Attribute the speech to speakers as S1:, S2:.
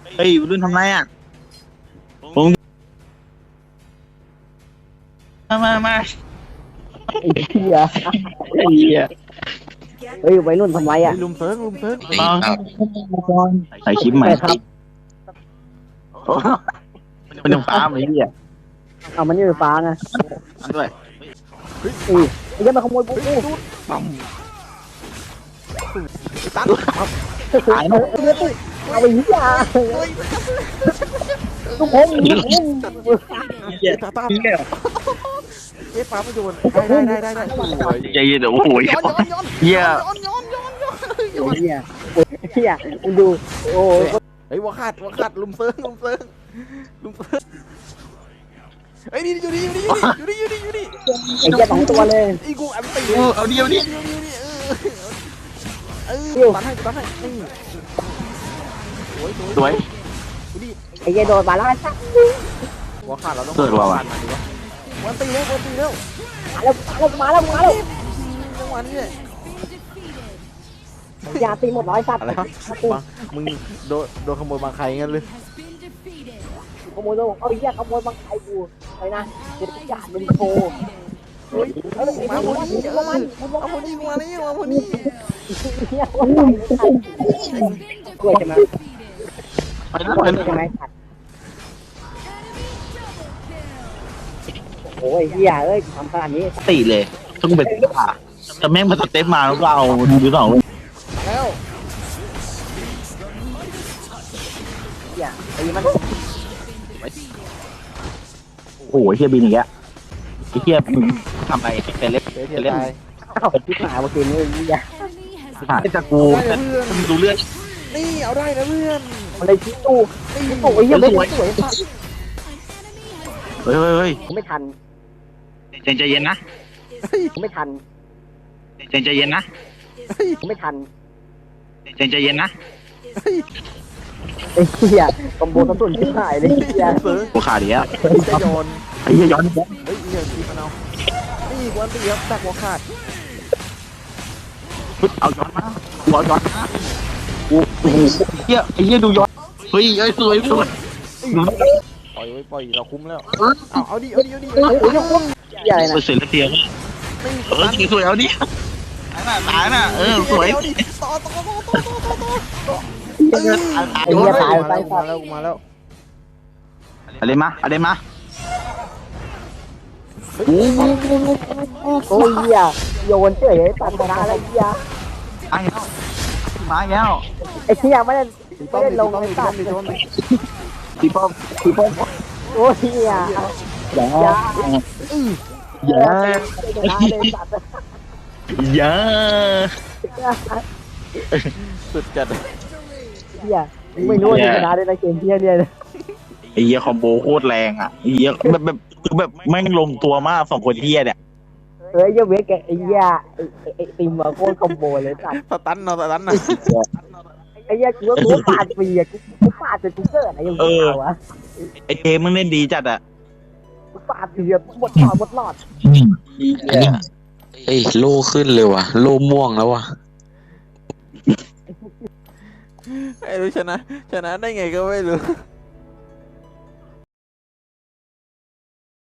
S1: เฮ้ยรุ่นทำไรอ่ะผมมา
S2: ไอ้เหี้ย
S1: ไอ้เหี้ย
S2: เฮ้ยวัยรุ่นทำไรอ่ะ
S3: ลุมเซิร์ง
S1: มาใส่คลิปใหม่
S2: ครับ
S1: มันยังฟ้าไหมเหี้ย
S2: เอามันนี่ไฟฟ้าไง
S1: ด้วย
S2: ไอ้เหี้ยมาขโมยปุ๊บ
S1: ปั๊ม
S3: ตัน
S1: หายเนาะ
S2: เอาไปเหี้ยทุกคน
S1: เหี้ย
S3: ตา
S1: เหี้ย
S3: เอ๊ะปาไม่โดนได้สวย
S1: ใจเย็นเดี๋ยวโอ้โห
S3: ย้อน
S1: เหี้ย
S2: เหี้ยเหี้ยมึงดูโอ้ย
S3: เฮ้ยวัวขาดลุมเซิร์งเฮ้ยนี่อยู่นี่
S2: ไอ้เหี้ยสองตัวเลย
S3: ไอ้กูอันตี
S1: เอาเดียวดิ
S3: ตันให้นี่สวย
S2: ไอ้เหี้ยโดนมาแล้วชัก
S3: วัวขาดเราต้องวันตีแล้ว
S2: มาแล้ว
S3: จังหวะนี้
S2: ยาตีหมดร้อยสัตว์
S3: อะไรวะมึงโดนขโมยบางใครงั้นเลย
S2: ขโมยโดนเอาไอ้เหี้ยขโมยบางไอ้กูไปนะเดี๋ยวจะมึงโชว์
S3: เฮ้ยมาคนนี้เอาคนนี้มาแล้วเอาคนนี้
S2: เหี้ยคนไหนกล้วยใช่ไหม
S1: ไปนะ
S2: กล้
S1: ไป
S2: วย
S1: นะ
S2: ใช่ไหมสัตว์โอ้ยเหี้ยเอ้ยทำขนาดนี้
S1: ตีเลยต้องเป็นป่าแต่แม่งมาสเต็ปมาแล้วก็เอาดูหรือเปล่า
S3: แล้ว
S2: เหี้ยตีมัน
S1: โอ้โหเฮียบินอย่างเงี้ยไอ้เฮียมึงทำอะไรเป็นเล็บ
S3: เทียตาย
S2: เข้าไปที่หมาเมื่อกี้นี้เหี้ย
S1: หาจะกู
S3: ได้นะเพื่อน
S1: มึงดูเลือด
S3: นี่เอาได้นะเพื่อน
S2: มันเลยชี้ตู้โอ้ยเหี้ยไม่สวยสัตว์
S1: เฮ้ย
S2: ผมไม่ทัน
S1: ใจเย็นนะ
S2: ผมไม่ทัน
S1: ใจเย็นนะ
S2: ผมไม่ทัน
S1: ใจเย็นนะ
S2: ไอ้เหี้ยคอมโบกระสุนที่หายเลยเหี้ย
S3: เสือ
S1: กูขาดอีกแล้ว
S3: จะโยน
S1: ไอ้เฮียย้อน
S3: เฮ้ยเหี้ยทีมันเอานี่วันตีครับดักหัวขาด
S1: เอาย้อนมากูเอาย้อนมากูโอ้โหเฮียไอ้เฮียดูย้อนเฮ้ยสวย
S3: ปล่อยเราคุ้มแล้วเอาดิ
S2: โอ้ยเหี้ยอะไรนะ
S1: เสร็จแล้วเตียงสวยเอาดิตายน่ะสวย
S3: ต่อ
S2: ไอ้เหี้ยตายไปสัตว์
S3: มาแล้ว
S1: อะไรมาโอ้
S2: โอ้ยเหี้ยโยนเฉยตัดชนะอะไรเหี้ย
S1: ไอ้แล้วมาแล้ว
S2: ไอ้เหี้ยไม่ได้ลงในสัตว์
S1: พี่ป้อม
S2: โอ้ยเหี้ย
S1: อย่า
S2: ชนะเลยสัตว์
S1: อย่า
S3: สุดจัด
S2: เหี้ยไม่รู้ว่าจะชนะได้ในเกมเหี้ยเนี่ย
S1: ไอ้เหี้ยคอมโบโคตรแรงอ่ะไอ้เหี้ยแบบแม่งลงตัวมากสองคนเหี้ยเนี่ย
S2: เฮ้ยเหี้ยเวกไอ้เหี้ยไอ้ติมมาโคตรคอมโบเลยสัตว์
S3: สตันนะ
S2: ไอ้เหี้ยกูปาดฟรีอ่ะกูปาดจนกูเกิดอะไรอย่างเงี้ยวะ
S1: ไอ้เจมึงเล่นดีจัดอ่ะ
S2: กูปาดฟรีหมดหลอด
S4: เอ้ยโล่ขึ้นเลยว่ะโล่ม่วงแล้วว่ะ
S3: ไอ้รู้ชนะได้ไงก็ไม่รู้